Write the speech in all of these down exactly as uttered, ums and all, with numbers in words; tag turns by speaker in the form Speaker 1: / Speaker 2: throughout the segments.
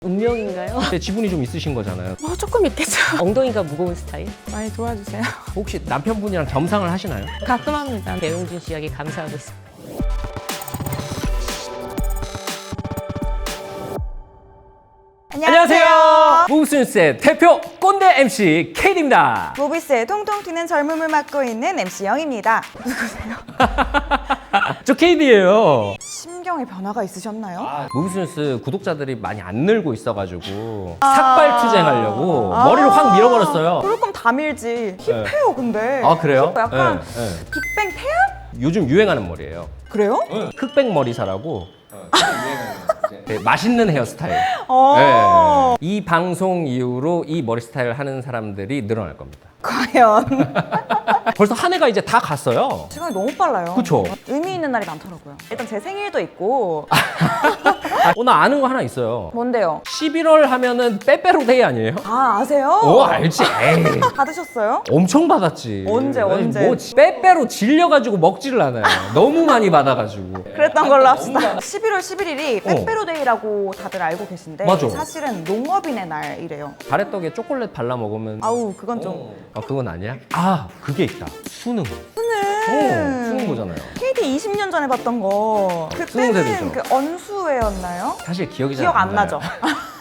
Speaker 1: 운명인가요?
Speaker 2: 근데 지분이 좀 있으신 거잖아요.
Speaker 1: 뭐 조금 있겠죠. 엉덩이가 무거운 스타일?
Speaker 3: 많이 도와주세요.
Speaker 2: 혹시 남편분이랑 겸상을 하시나요?
Speaker 1: 가끔 합니다. 배용준 씨 이야기 감사하고 있습니다.
Speaker 2: 안녕하세요. 무브스뉴스의 대표 꼰대 엠씨 케이디입니다.
Speaker 3: 모비스의 통통 튀는 젊음을 맡고 있는 엠씨 영입니다.
Speaker 2: 저 케이디예요.
Speaker 3: 심경의 변화가 있으셨나요?
Speaker 2: 무브스뉴스 구독자들이 많이 안 늘고 있어가지고 삭발 투쟁하려고 머리를 확 밀어버렸어요.
Speaker 3: 그럴 거면 다 밀지. 힙해요 근데.
Speaker 2: 아 그래요?
Speaker 3: 약간
Speaker 2: 네, 네.
Speaker 3: 빅뱅 태양?
Speaker 2: 요즘 유행하는 머리예요.
Speaker 3: 그래요?
Speaker 2: 흑백 머리사라고. 네, 맛있는 헤어스타일.
Speaker 3: 어.
Speaker 2: 네. 이 방송 이후로 이 머리 스타일 하는 사람들이 늘어날 겁니다.
Speaker 3: 과연.
Speaker 2: 벌써 한 해가 이제 다 갔어요.
Speaker 3: 시간이 너무 빨라요.
Speaker 2: 그쵸?
Speaker 3: 의미 있는 날이 많더라고요. 일단 제 생일도 있고.
Speaker 2: 아, 오늘 아는 거 하나 있어요.
Speaker 3: 뭔데요?
Speaker 2: 십일월 하면은 빼빼로데이 아니에요?
Speaker 3: 아 아세요?
Speaker 2: 오 알지. 에이.
Speaker 3: 받으셨어요?
Speaker 2: 엄청 받았지.
Speaker 3: 언제,
Speaker 2: 아니,
Speaker 3: 언제?
Speaker 2: 뭐 빼빼로 질려가지고 먹지를 않아요. 너무 많이 받아가지고.
Speaker 3: 그랬던 걸로 합시다. 십일월 십일일이 빼빼로데이라고 다들 알고 계신데
Speaker 2: 맞아.
Speaker 3: 사실은 농업인의 날이래요.
Speaker 2: 가래떡에 초콜릿 발라 먹으면
Speaker 3: 아우 그건 좀.
Speaker 2: 아 그건 아니야? 아 그게 있다. 수능.
Speaker 3: 수능.
Speaker 2: 오, 수능 보잖아요.
Speaker 3: 케이디 이십 년 전에 봤던 거.
Speaker 2: 수능
Speaker 3: 그때는
Speaker 2: 세대죠.
Speaker 3: 그 언수회였나요?
Speaker 2: 사실 기억이 잘
Speaker 3: 기억 안
Speaker 2: 나요.
Speaker 3: 나죠?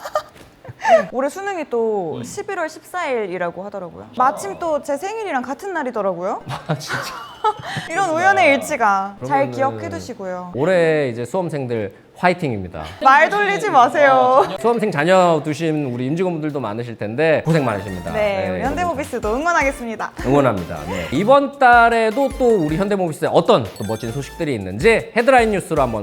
Speaker 3: 올해 수능이 또 십일월 십사일이라고 하더라고요. 마침 또 제 생일이랑 같은 날이더라고요.
Speaker 2: 아 진짜.
Speaker 3: 이런 우연의 일치가 잘
Speaker 2: 그러면은-
Speaker 3: 기억해 두시고요.
Speaker 2: 올해 이제 수험생들 화이팅입니다.
Speaker 3: 말 돌리지 마세요.
Speaker 2: 수험생 자녀 두신 우리 임직원분들도 많으실 텐데 고생 많으십니다.
Speaker 3: 네, 우리 현대모비스도 응원하겠습니다.
Speaker 2: 응원합니다. 네. 이번 달에도 또 우리 현대모비스에 어떤 또 멋진 소식들이 있는지 헤드라인 뉴스로 한번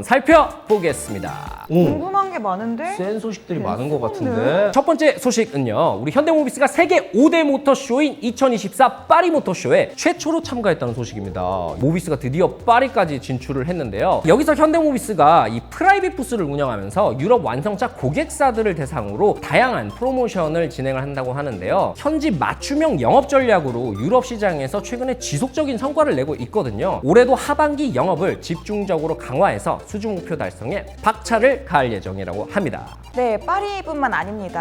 Speaker 2: 살펴보겠습니다. 오,
Speaker 3: 궁금한 게 많은데?
Speaker 2: 센 소식들이
Speaker 3: 네,
Speaker 2: 많은 것
Speaker 3: 소문은.
Speaker 2: 같은데. 첫 번째 소식은요. 우리 현대모비스가 세계 오 대 모터쇼인 이천이십사 파리 모터쇼에 최초로 참가했다는 소식입니다. 모비스가 드디어 파리까지 진출을 했는데요. 여기서 현대모비스가 이 프라이빗 부스를 운영하면서 유럽 완성차 고객사들을 대상으로 다양한 프로모션을 진행을 한다고 하는데요. 현지 맞춤형 영업 전략으로 유럽 시장에서 최근에 지속적인 성과를 내고 있거든요. 올해도 하반기 영업을 집중적으로 강화해서 수주 목표 달성에 박차를 가할 예정이라고 합니다.
Speaker 3: 네, 파리뿐만 아닙니다.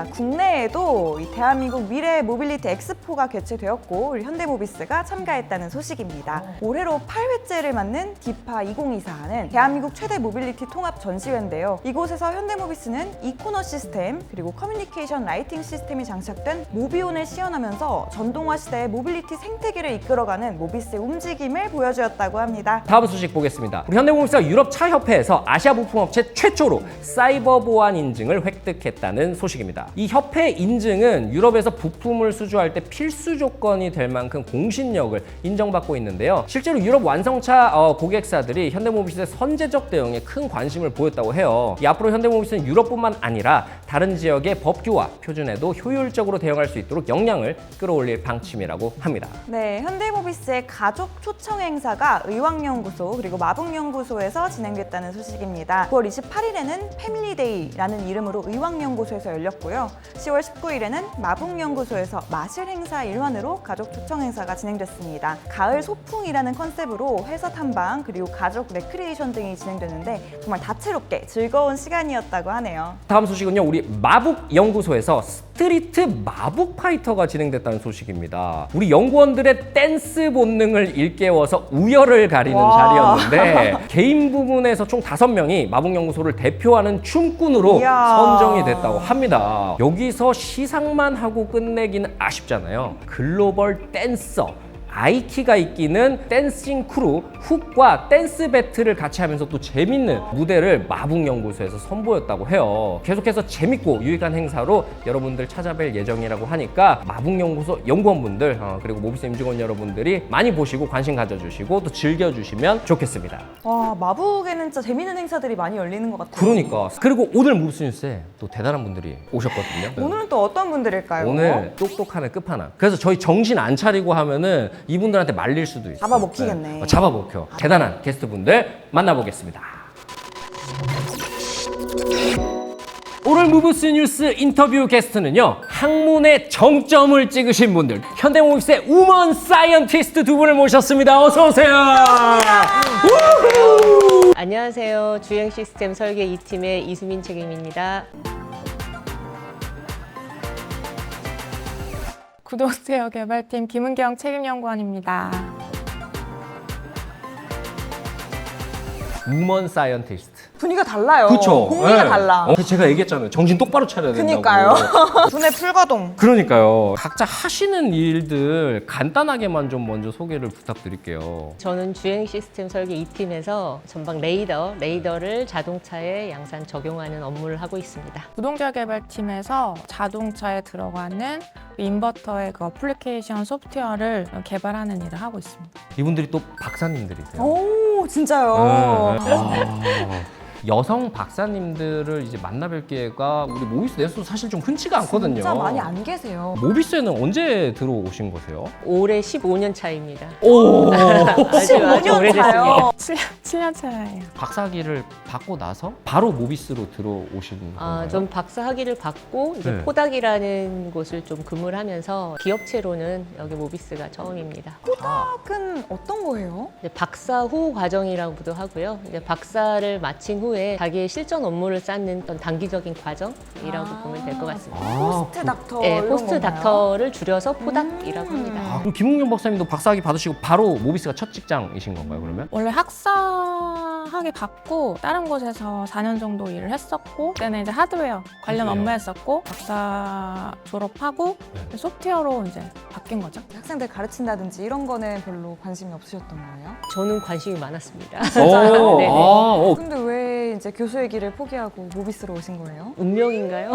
Speaker 3: 국내에도 이 대한민국 미래 모빌리티 엑스포가 개최되었고 우리 현대모비스가 참가했다는 소식입니다. 올해로 팔 회째를 맞는 디파 이천이십사는 대한민국 최대 모빌리티 통합 전시회인데요. 이곳에서 현대모비스는 이코너 시스템 그리고 커뮤니케이션 라이팅 시스템이 장착된 모비온을 시연하면서 전동화 시대의 모빌리티 생태계를 이끌어가는 모비스의 움직임을 보여주었다고 합니다.
Speaker 2: 다음 소식 보겠습니다. 우리 현대모비스가 유럽 차 협회에서 아시아 부품업체 최초로 사이버 보안 인증을 획득했다는 소식입니다. 이 협회 인증은 유럽에서 부품을 수주할 때 필수 조건이 될 만큼 공신력을 인정받고 있는데요. 실제로 유럽 완성차 어, 고객사들이 현대모비스의 선제적 대응에 큰 관심을 보였다고 해요. 이 앞으로 현대모비스는 유럽뿐만 아니라 다른 지역의 법규와 표준에도 효율적으로 대응할 수 있도록 역량을 끌어올릴 방침이라고 합니다.
Speaker 3: 네, 현대모비스의 가족 초청 행사가 의왕연구소 그리고 마북연구소에서 진행됐다는 소식입니다. 구월 이십팔일에는 패밀리데이라는 이름으로 의왕연구소에서 열렸고요. 시월 십구일에는 마북연구소에서 마실 행사 일환으로 가족 초청 행사가 진행됐습니다. 가을 소풍이라는 컨셉으로 회사 탐방 그리고 가족 레크리에이션 등이 진행됐는데 정말 다채롭게 즐거운 시간이었다고 하네요.
Speaker 2: 다음 소식은요. 우리 마북연구소에서 스트리트 마북 파이터가 진행됐다는 소식입니다. 우리 연구원들의 댄스 본능을 일깨워서 우열을 가리는
Speaker 3: 와.
Speaker 2: 자리였는데 개인 부문에서 총 다섯 명이 마북연구소를 대표하는 춤꾼으로
Speaker 3: 이야.
Speaker 2: 선정이 됐다고 합니다. 여기서 시상만 하고 끝내기는 아쉽잖아요. 글로벌 댄서 아이키가 이끼는 댄싱 크루 훅과 댄스 배틀을 같이 하면서 또 재밌는 무대를 마북연구소에서 선보였다고 해요. 계속해서 재밌고 유익한 행사로 여러분들 찾아뵐 예정이라고 하니까 마북연구소 연구원분들 어, 그리고 모비스 임직원 여러분들이 많이 보시고 관심 가져주시고 또 즐겨주시면 좋겠습니다.
Speaker 3: 와, 마북에는 진짜 재밌는 행사들이 많이 열리는 것 같아요.
Speaker 2: 그러니까 그리고 오늘 모비스 뉴스에 또 대단한 분들이 오셨거든요.
Speaker 3: 오늘은 또 어떤 분들일까요?
Speaker 2: 오늘 똑똑하네 끝판왕. 그래서 저희 정신 안 차리고 하면은 이분들한테 말릴 수도 있어요.
Speaker 3: 잡아먹히겠네.
Speaker 2: 네. 어, 잡아먹혀. 대단한 게스트분들 만나보겠습니다. 오늘 무브스 뉴스 인터뷰 게스트는요. 학문의 정점을 찍으신 분들 현대모비스의 우먼 사이언티스트 두 분을 모셨습니다. 어서 오세요.
Speaker 1: 안녕하세요. 주행 시스템 설계 이 팀의 이수민 책임입니다.
Speaker 4: 구독제어 개발팀 김은경 책임연구원입니다.
Speaker 2: 우먼 사이언티스트.
Speaker 3: 분위기가 달라요.
Speaker 2: 그렇죠.
Speaker 3: 공기가 달라.
Speaker 2: 어, 제가 얘기했잖아요. 정신 똑바로 차려야 된다고.
Speaker 3: 그니까요. 두뇌 풀가동.
Speaker 2: 그러니까요. 각자 하시는 일들 간단하게만 좀 먼저 소개를 부탁드릴게요.
Speaker 1: 저는 주행 시스템 설계 이 팀에서 전방 레이더, 레이더를 자동차에 양산 적용하는 업무를 하고 있습니다.
Speaker 4: 구동제어 개발팀에서 자동차에 들어가는 인버터의 그 어플리케이션 소프트웨어를 개발하는 일을 하고 있습니다.
Speaker 2: 이분들이 또 박사님들이세요.
Speaker 3: 오, 진짜요?
Speaker 2: 네. 아, 여성 박사님들을 이제 만나뵐 기회가 우리 모비스 내에서 사실 좀 흔치가 않거든요.
Speaker 3: 진짜 많이 안 계세요.
Speaker 2: 모비스에는 언제 들어오신 거세요?
Speaker 1: 올해 십오 년 차입니다.
Speaker 2: 오.
Speaker 1: 아주 아주
Speaker 3: 십오 년
Speaker 1: 오래됐습니다.
Speaker 3: 차요.
Speaker 4: 칠 년 차예요.
Speaker 2: 박사학위를 받고 나서 바로 모비스로 들어오신 건가요?
Speaker 1: 아, 전 박사 학위를 받고 이제
Speaker 2: 네.
Speaker 1: 포닥이라는 곳을 좀 근무를 하면서 기업체로는 여기 모비스가 처음입니다.
Speaker 3: 포닥은 어떤 거예요?
Speaker 1: 이제 박사 후 과정이라고도 하고요. 이제 박사를 마친 후에 자기의 실전 업무를 쌓는 어떤 단기적인 과정이라고
Speaker 3: 아.
Speaker 1: 보면 될 것 같습니다.
Speaker 2: 아,
Speaker 3: 포스트 닥터
Speaker 1: 네,
Speaker 3: 이런
Speaker 1: 포스트
Speaker 3: 건가요?
Speaker 1: 닥터를 줄여서 포닥이라고
Speaker 3: 음.
Speaker 1: 합니다.
Speaker 2: 아, 그럼 김웅경 박사님도 박사학위 받으시고 바로 모비스가 첫 직장이신 건가요, 그러면?
Speaker 4: 원래 학사학위 받고 다른 곳에서 사 년 정도 일을 했었고 그때는 이제 하드웨어 관련
Speaker 2: 하드웨어.
Speaker 4: 업무 했었고 박사 졸업하고
Speaker 2: 네.
Speaker 4: 소프트웨어로 이제 바뀐 거죠.
Speaker 3: 학생들 가르친다든지 이런 거는 별로 관심이 없으셨던 거예요?
Speaker 1: 저는 관심이 많았습니다.
Speaker 2: 오,
Speaker 1: 네네.
Speaker 2: 아, 어.
Speaker 3: 근데 왜 이제 교수의 길을 포기하고 모비스로 오신 거예요?
Speaker 1: 운명인가요?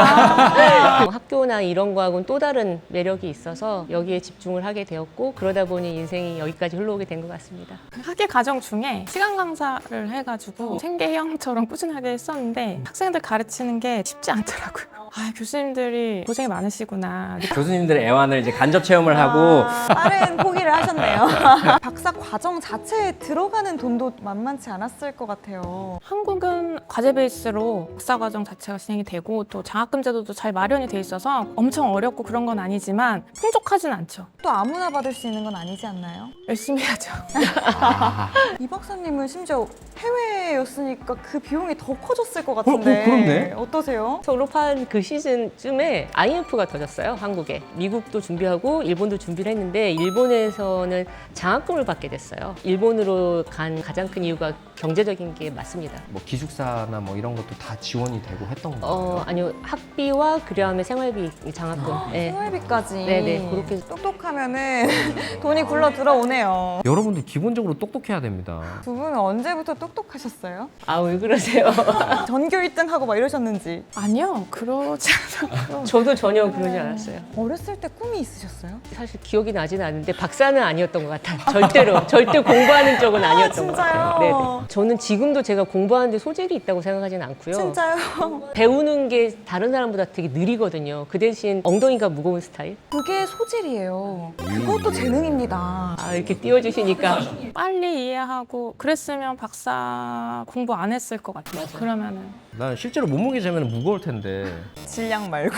Speaker 3: 아.
Speaker 1: 학교나 이런 거하고는 또 다른 매력이 있어서 여기에 집중을 하게 되었고 그러다 보니 인생이 여기까지 흘러오게 된 것 같습니다.
Speaker 4: 학예 과정 중에 시간 강사를 해가지고 생계형처럼 꾸준하게 했었는데 학생들 가르치는 게 쉽지 않더라고요. 아, 교수님들이 고생이 많으시구나.
Speaker 2: 교수님들의 애완을 이제 간접 체험을 하고
Speaker 3: 아, 다른 포기를 하셨네요. 박사 과정 자체에 들어가는 돈도 만만치 않았을 것 같아요.
Speaker 4: 한국은 과제 베이스로 박사 과정 자체가 진행이 되고 또 장학금 제도도 잘 마련이 돼 있어서 엄청 어렵고 그런 건 아니지만 풍족하진 않죠.
Speaker 3: 또 아무나 받을 수 있는 건 아니지 않나요?
Speaker 4: 열심히 하죠.
Speaker 2: 아,
Speaker 3: 이 박사님은 심지어 해외였으니까 그 비용이 더 커졌을 것 같은데
Speaker 2: 어, 그렇네.
Speaker 3: 어떠세요?
Speaker 1: 졸업한 그 시즌쯤에 아이엠에프가 터졌어요, 한국에. 미국도 준비하고 일본도 준비를 했는데 일본에서는 장학금을 받게 됐어요. 일본으로 간 가장 큰 이유가 경제적인 게 맞습니다.
Speaker 2: 뭐 기숙사나 뭐 이런 것도 다 지원이 되고 했던 거예요.
Speaker 1: 어, 아니요. 학비와 그다음에 생활비 장학금. 네.
Speaker 3: 생활비까지
Speaker 1: 네네, 그렇게.
Speaker 3: 똑똑하면은 돈이 굴러 들어오네요.
Speaker 2: 여러분들 기본적으로 똑똑해야 됩니다.
Speaker 3: 두 분은 언제부터 똑똑하셨어요?
Speaker 1: 아, 왜 그러세요?
Speaker 3: 전교 일 등 하고 막 이러셨는지.
Speaker 4: 아니요, 그러지 않았고.
Speaker 1: 저도 전혀 그러지 않았어요.
Speaker 3: 어렸을 때 꿈이 있으셨어요?
Speaker 1: 사실 기억이 나지는 않는데 박사는 아니었던 것 같아요. 절대로. 절대 공부하는 쪽은 아니었던 것 같아요.
Speaker 3: 진짜요?
Speaker 1: 네네. 저는 지금도 제가 공부하는데 소질이 있다고 생각하지는 않고요.
Speaker 3: 진짜요?
Speaker 1: 배우는 게 다른 사람보다 되게 느리거든요. 그 대신 엉덩이가 무거운 스타일?
Speaker 3: 그게 소질이에요. 그것도 재능입니다.
Speaker 1: 아, 이렇게 띄워주시니까.
Speaker 4: 빨리 이해하고 그랬으면 박사 공부 안 했을 것 같아요. 그러면은
Speaker 2: 난 실제로 몸무게 재면 무거울 텐데.
Speaker 3: 질량 말고.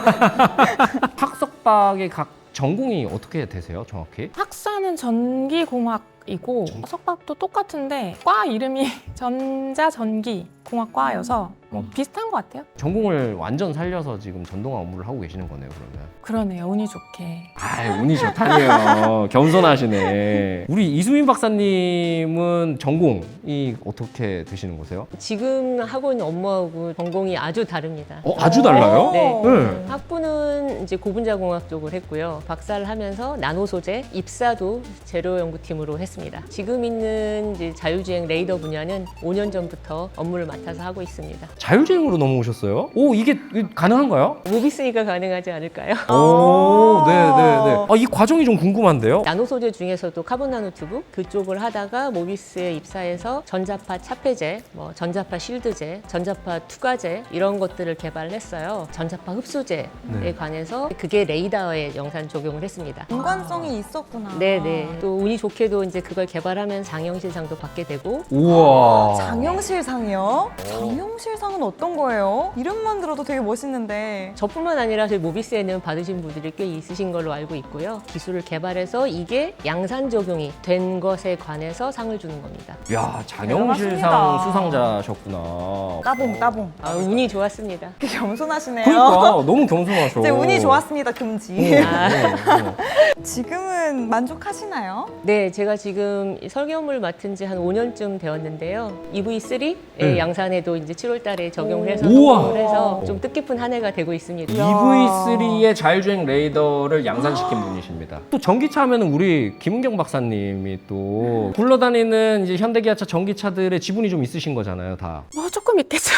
Speaker 2: 학석박의 각 전공이 어떻게 되세요, 정확히?
Speaker 4: 학사는 전기공학이고 석박도 똑같은데 과 이름이 전자전기 공학과여서 뭐 비슷한 것 같아요.
Speaker 2: 전공을 완전 살려서 지금 전동화 업무를 하고 계시는 거네요, 그러면.
Speaker 4: 그러네요, 운이 좋게.
Speaker 2: 아, 운이 좋다니요. 겸손하시네. 우리 이수민 박사님은 전공이 어떻게 되시는 거세요?
Speaker 1: 지금 하고 있는 업무하고 전공이 아주 다릅니다.
Speaker 2: 어, 아주 달라요?
Speaker 1: 네.
Speaker 2: 네.
Speaker 1: 학부는 이제 고분자공학 쪽을 했고요. 박사를 하면서 나노 소재, 입사도 재료 연구팀으로 했습니다. 지금 있는 이제 자율주행 레이더 분야는 오 년 전부터 업무를 맡아서 하고 있습니다.
Speaker 2: 자율주행으로 넘어오셨어요? 오, 이게 가능한가요?
Speaker 1: 모비스니까 가능하지 않을까요?
Speaker 2: 오, 네네네. 아, 이 과정이 좀 궁금한데요?
Speaker 1: 나노 소재 중에서도 카본 나노튜브 그쪽을 하다가 모비스에 입사해서 전자파 차폐제, 뭐 전자파 실드제, 전자파 투과제 이런 것들을 개발을 했어요. 전자파 흡수제에
Speaker 2: 네.
Speaker 1: 관해서 그게 레이더에 영산 적용을 했습니다.
Speaker 3: 인관성이 있었구나.
Speaker 1: 네네. 또 운이 좋게도 이제 그걸 개발하면 장영실상도 받게 되고
Speaker 2: 우와.
Speaker 3: 장영실상이요? 장영실상은 어떤 거예요? 이름만 들어도 되게 멋있는데.
Speaker 1: 저뿐만 아니라 저희 모비스에는 받으신 분들이 꽤 있으신 걸로 알고 있고요. 기술을 개발해서 이게 양산 적용이 된 것에 관해서 상을 주는 겁니다.
Speaker 2: 야, 장영실상
Speaker 3: 대단하십니다.
Speaker 2: 수상자셨구나.
Speaker 3: 따봉 따봉.
Speaker 1: 아, 운이 좋았습니다.
Speaker 3: 되게 겸손하시네요.
Speaker 2: 그러니까 너무 겸손하셔.
Speaker 3: 이제 운이 금지 좋았습니다. 금지.
Speaker 1: 아.
Speaker 3: 지금은 만족하시나요?
Speaker 1: 네, 제가 지금 이 설계 업무를 맡은 지 한 오 년쯤 되었는데요. 이브이 쓰리의
Speaker 2: 네.
Speaker 1: 양산에도 이제 칠월 달에 적용을 해서
Speaker 2: 우와.
Speaker 1: 성공을 해서 좀 뜻깊은 한 해가 되고 있습니다.
Speaker 2: 이브이 쓰리의 자율주행 레이더를 양산시킨 분이십니다. 또 전기차 하면은 우리 김은경 박사님이 또 굴러다니는 이제 현대기아차 전기차들의 지분이 좀 있으신 거잖아요, 다.
Speaker 4: 뭐 조금 있겠죠.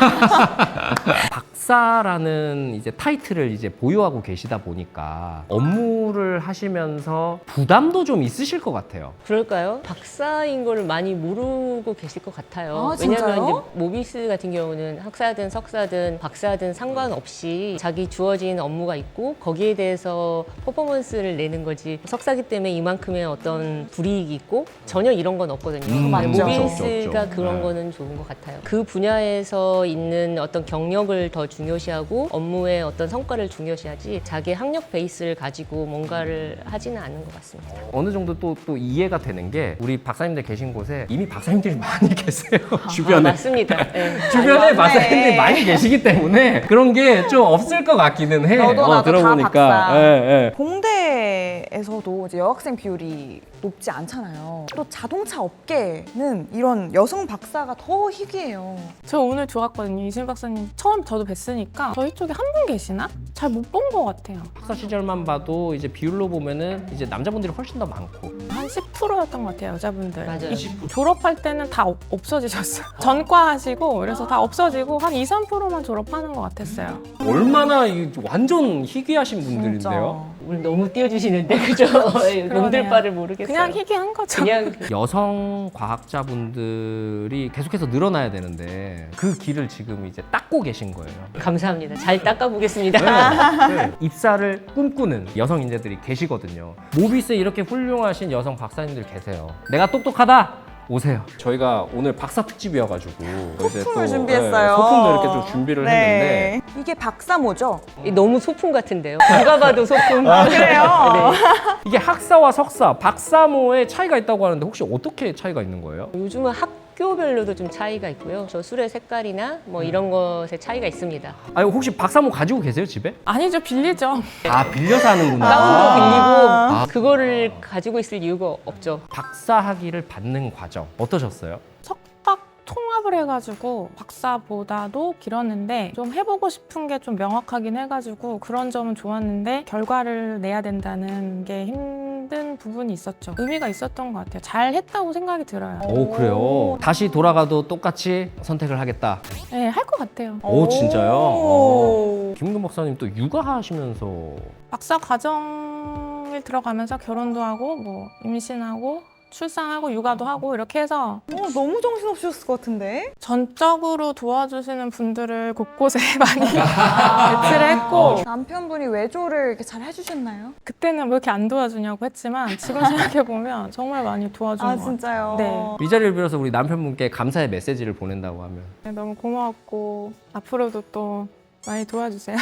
Speaker 2: 박사라는 이제 타이틀을 이제 보유하고 계시다 보니까 업무를 하시면서 부담도 좀 있으실 것 같아요.
Speaker 1: 그럴까요? 박사인 거를 많이 모르고 계실 것 같아요.
Speaker 3: 아,
Speaker 1: 왜냐하면
Speaker 3: 진짜요?
Speaker 1: 이제 모비스 같은 경우는 학사든 석사든 박사든 상관없이 자기 주어진 업무가 있고 거기에 대해서 퍼포먼스를 내는 거지. 석사기 때문에 이만큼의 어떤 불이익이 있고 전혀 이런 건 없거든요.
Speaker 2: 음,
Speaker 3: 맞죠.
Speaker 1: 모비스가
Speaker 2: 없죠, 없죠, 없죠.
Speaker 1: 그런
Speaker 2: 네.
Speaker 1: 거는 좋은 것 같아요. 그 분야에서 있는 어떤 경력을 더 중요시하고 업무의 어떤 성과를 중요시하지 자기 학력 베이스를 가지고 뭔가를 하지는 않는 것 같습니다.
Speaker 2: 어느 정도 또, 또 이해가 되는 게 우리 박사님들 계신 곳에 이미 박사님들이 많이 계세요.
Speaker 1: 아,
Speaker 2: 주변에.
Speaker 1: 맞습니다. 네.
Speaker 2: 주변에
Speaker 3: 맞네.
Speaker 2: 박사님들이 많이 계시기 때문에 그런 게 좀 없을 것 같기는 해.
Speaker 3: 너도 나도 다
Speaker 2: 들어보니까.
Speaker 3: 박사.
Speaker 2: 예, 예.
Speaker 3: 공대에서도 이제 여학생 비율이 높지 않잖아요. 또 자동차 업계는 이런 여성 박사가 더 희귀해요.
Speaker 4: 저 오늘 좋았거든요. 이진 박사님 처음 저도 뵀으니까 저희 쪽에 한 분 계시나? 잘 못 본 것 같아요.
Speaker 2: 박사 시절만 봐도 이제 비율로 보면은 이제 남자분들이 훨씬 더 많고.
Speaker 4: 한 십 퍼센트였던 것 같아요, 여자분들.
Speaker 1: 맞아요.
Speaker 4: 이- 졸업할 때는 다 없- 없어지셨어요. 전과 하시고 그래서 다 없어지고 한 이, 삼 퍼센트만 졸업하는 것 같았어요.
Speaker 2: 얼마나 이 완전 희귀하신 분들인데요.
Speaker 1: 오늘 너무 띄워주시는데 그죠? 놈들 바를 모르겠어요.
Speaker 4: 그냥 희귀한 거죠.
Speaker 1: 그냥
Speaker 2: 여성 과학자분들이 계속해서 늘어나야 되는데 그 길을 지금 이제 닦고 계신 거예요.
Speaker 1: 감사합니다. 잘 닦아보겠습니다.
Speaker 2: 네. 입사를 꿈꾸는 여성 인재들이 계시거든요. 모비스에 이렇게 훌륭하신 여성 박사님들 계세요. 내가 똑똑하다. 오세요. 저희가 오늘 박사 특집이어가지고 이제
Speaker 3: 소품을
Speaker 2: 또,
Speaker 3: 준비했어요.
Speaker 2: 네, 소품도 이렇게 좀 준비를 했는데
Speaker 3: 이게 박사모죠?
Speaker 1: 너무 소품 같은데요. 누가 봐도 소품.
Speaker 3: 아, 그래요?
Speaker 1: 네.
Speaker 2: 이게 학사와 석사, 박사모의 차이가 있다고 하는데 혹시 어떻게 차이가 있는 거예요?
Speaker 1: 요즘은 학교별로도 좀 차이가 있고요. 저 술의 색깔이나 뭐 이런 것에 차이가 있습니다.
Speaker 2: 아니 혹시 박사모 가지고 계세요 집에?
Speaker 4: 아니죠, 빌리죠.
Speaker 2: 아 빌려서 하는구나.
Speaker 1: 다운도 빌리고
Speaker 2: 아.
Speaker 1: 그거를 가지고 있을 이유가 없죠.
Speaker 2: 박사 학위를 받는 과정 어떠셨어요?
Speaker 4: 석박 통합을 해가지고 박사보다도 길었는데 좀 해보고 싶은 게 좀 명확하긴 해가지고 그런 점은 좋았는데 결과를 내야 된다는 게 힘든 부분이 있었죠. 의미가 있었던 것 같아요. 잘 했다고 생각이 들어요.
Speaker 2: 오 그래요. 다시 돌아가도 똑같이 선택을 하겠다.
Speaker 4: 네, 할 것 같아요.
Speaker 2: 오 진짜요?
Speaker 3: 오.
Speaker 2: 어. 김은경 박사님 또 육아하시면서
Speaker 4: 박사 과정을 들어가면서 결혼도 하고 뭐 임신하고 출산하고 육아도 하고 이렇게 해서
Speaker 3: 어, 너무 정신없으셨을 것 같은데?
Speaker 4: 전적으로 도와주시는 분들을 곳곳에 많이 배치를 했고
Speaker 3: 남편분이 외조를 이렇게 잘 해주셨나요?
Speaker 4: 그때는 왜 이렇게 안 도와주냐고 했지만 지금 생각해보면 정말 많이 도와준
Speaker 3: 아
Speaker 4: 것 같아요.
Speaker 3: 진짜요?
Speaker 4: 네.
Speaker 2: 이 자리를 빌어서 우리 남편분께 감사의 메시지를 보낸다고 하면
Speaker 4: 네, 너무 고마웠고 앞으로도 또 많이 도와주세요.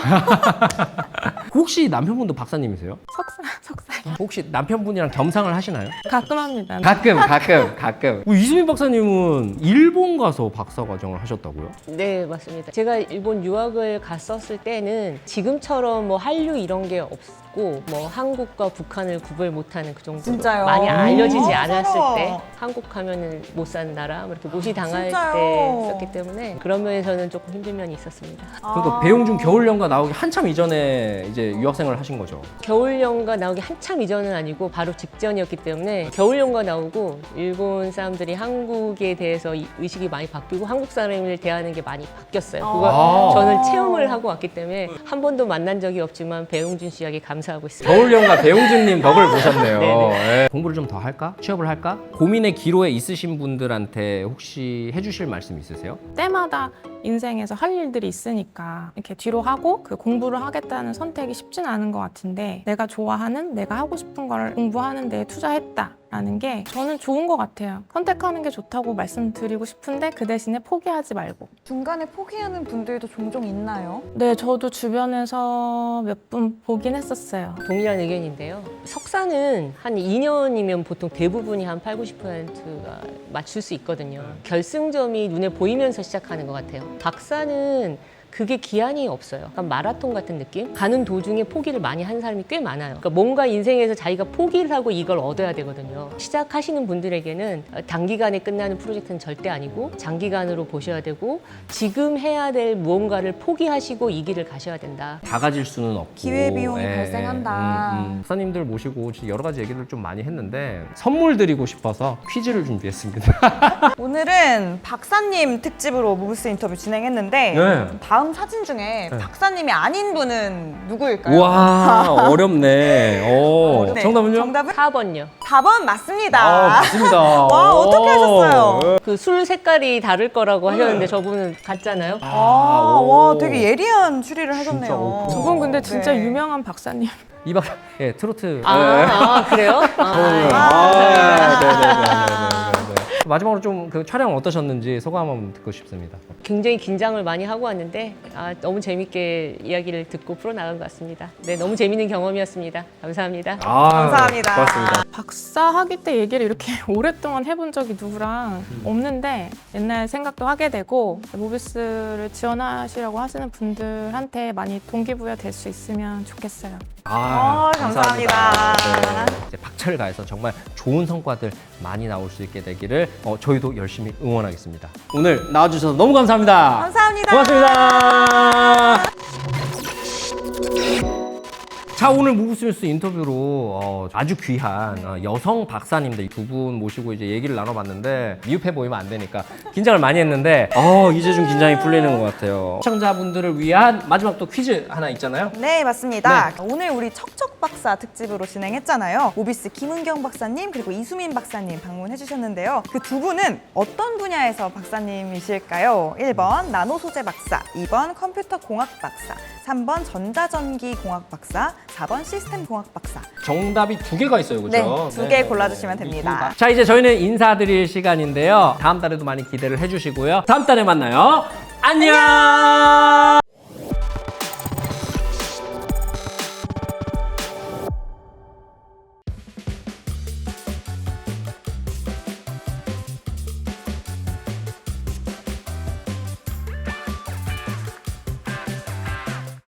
Speaker 2: 혹시 남편분도 박사님이세요?
Speaker 4: 석사, 석사.
Speaker 2: 혹시 남편분이랑 겸상을 하시나요?
Speaker 4: 가끔 합니다.
Speaker 2: 가끔 가끔 가끔 우리 이수민 박사님은 일본 가서 박사 과정을 하셨다고요?
Speaker 1: 네, 맞습니다. 제가 일본 유학을 갔었을 때는 지금처럼 뭐 한류 이런 게 없고 뭐 한국과 북한을 구별 못하는 그 정도로
Speaker 3: 진짜요?
Speaker 1: 많이 알려지지
Speaker 3: 음.
Speaker 1: 않았을
Speaker 3: 서러워.
Speaker 1: 때 한국 하면은 못 사는 나라 뭐 이렇게 무시당할
Speaker 3: 진짜요?
Speaker 1: 때 있었기 때문에 그런 면에서는 조금 힘든 면이 있었습니다.
Speaker 2: 그러니까
Speaker 3: 아.
Speaker 2: 배용준 겨울연가 나오기 한참 이전에 이제 유학생을 하신 거죠.
Speaker 1: 겨울연가 나오기 한참 이전은 아니고 바로 직전이었기 때문에 겨울연가 나오고 일본 사람들이 한국에 대해서 이- 의식이 많이 바뀌고 한국 사람을 대하는 게 많이 바뀌었어요. 그걸
Speaker 2: 아.
Speaker 1: 저는 체험을 하고 왔기 때문에 한 번도 만난 적이 없지만 배용준 씨에게 감사하고 있습니다.
Speaker 2: 겨울연가 배용준님 덕을 보셨네요.
Speaker 1: 네네.
Speaker 2: 예. 공부를 좀 더 할까? 취업을 할까? 고민의 기로에 있으신 분들한테 혹시 해주실 말씀 있으세요?
Speaker 4: 때마다 인생에서 할 일들이 있으니까 이렇게 뒤로 하고 그 공부를 하겠다는 선택이 쉽진 않은 것 같은데 내가 좋아하는 내가 하고 싶은 걸 공부하는 데에 투자했다라는 게 저는 좋은 것 같아요. 선택하는 게 좋다고 말씀드리고 싶은데 그 대신에 포기하지 말고.
Speaker 3: 중간에 포기하는 분들도 종종 있나요?
Speaker 4: 네, 저도 주변에서 몇 분 보긴 했었어요.
Speaker 1: 동일한 의견인데요. 석사는 한 이 년이면 보통 대부분이 한 팔, 구십 퍼센트가 맞출 수 있거든요. 결승점이 눈에 보이면서 시작하는 것 같아요. 박사는 그게 기한이 없어요. 약간 마라톤 같은 느낌? 가는 도중에 포기를 많이 한 사람이 꽤 많아요. 그러니까 뭔가 인생에서 자기가 포기를 하고 이걸 얻어야 되거든요. 시작하시는 분들에게는 단기간에 끝나는 프로젝트는 절대 아니고 장기간으로 보셔야 되고 지금 해야 될 무언가를 포기하시고 이 길을 가셔야 된다.
Speaker 2: 다 가질 수는 없고
Speaker 3: 기회비용이 발생한다.
Speaker 2: 음, 음. 박사님들 모시고 진짜 여러 가지 얘기를 좀 많이 했는데 선물 드리고 싶어서 퀴즈를 준비했습니다.
Speaker 3: 오늘은 박사님 특집으로 무브스 인터뷰 진행했는데
Speaker 2: 네.
Speaker 3: 다음 사진 중에
Speaker 2: 네.
Speaker 3: 박사님이 아닌 분은 누구일까요?
Speaker 2: 와 어렵네. 오,
Speaker 3: 네.
Speaker 2: 정답은요?
Speaker 3: 정답은
Speaker 1: 사 번요.
Speaker 3: 사 번 맞습니다.
Speaker 2: 아, 맞습니다.
Speaker 3: 와, 어떻게 하셨어요?
Speaker 1: 그 술 색깔이 다를 거라고 하셨는데 저분은 같잖아요.
Speaker 3: 아,
Speaker 2: 오.
Speaker 3: 와, 되게 예리한 추리를 하셨네요.
Speaker 2: 진짜, 어.
Speaker 4: 두 분 근데 진짜
Speaker 3: 네.
Speaker 4: 유명한 박사님.
Speaker 2: 이 박사, 예, 트로트.
Speaker 1: 아,
Speaker 2: 네.
Speaker 1: 아, 그래요? 아,
Speaker 2: 아, 네네네네네. 마지막으로 좀 그 촬영 어떠셨는지 소감 한번 듣고 싶습니다.
Speaker 1: 굉장히 긴장을 많이 하고 왔는데 아, 너무 재밌게 이야기를 듣고 풀어나간 것 같습니다. 네, 너무 재밌는 경험이었습니다. 감사합니다.
Speaker 2: 아,
Speaker 3: 감사합니다.
Speaker 2: 고맙습니다.
Speaker 4: 박사 학위 때 얘기를 이렇게 오랫동안 해본 적이 누구랑 없는데 옛날 생각도 하게 되고 모비스를 지원하시려고 하시는 분들한테 많이 동기부여 될 수 있으면 좋겠어요.
Speaker 3: 아, 감사합니다.
Speaker 2: 네, 이제 박차를 가해서 정말 좋은 성과들 많이 나올 수 있게 되기를 어, 저희도 열심히 응원하겠습니다. 오늘 나와주셔서 너무 감사합니다.
Speaker 3: 감사합니다.
Speaker 2: 고맙습니다. 자, 오늘 무브스뉴스 인터뷰로 어, 아주 귀한 어, 여성 박사님들 두 분 모시고 이제 얘기를 나눠봤는데 미흡해 보이면 안 되니까 긴장을 많이 했는데 어, 이제 좀 긴장이 풀리는 것 같아요. 시청자분들을 위한 마지막 또 퀴즈 하나 있잖아요.
Speaker 3: 네, 맞습니다. 오늘 우리 척척 박사 특집으로 진행했잖아요. 모비스 김은경 박사님 그리고 이수민 박사님 방문해 주셨는데요. 그 두 분은 어떤 분야에서 박사님이실까요? 일 번 나노 소재 박사, 이 번 컴퓨터 공학 박사, 삼 번 전자전기 공학 박사, 사 번 시스템 공학 박사.
Speaker 2: 정답이 두 개가 있어요, 그죠?
Speaker 3: 네, 두 개 골라주시면 됩니다.
Speaker 2: 자, 이제 저희는 인사드릴 시간인데요. 다음 달에도 많이 기대를 해주시고요. 다음 달에 만나요. 안녕!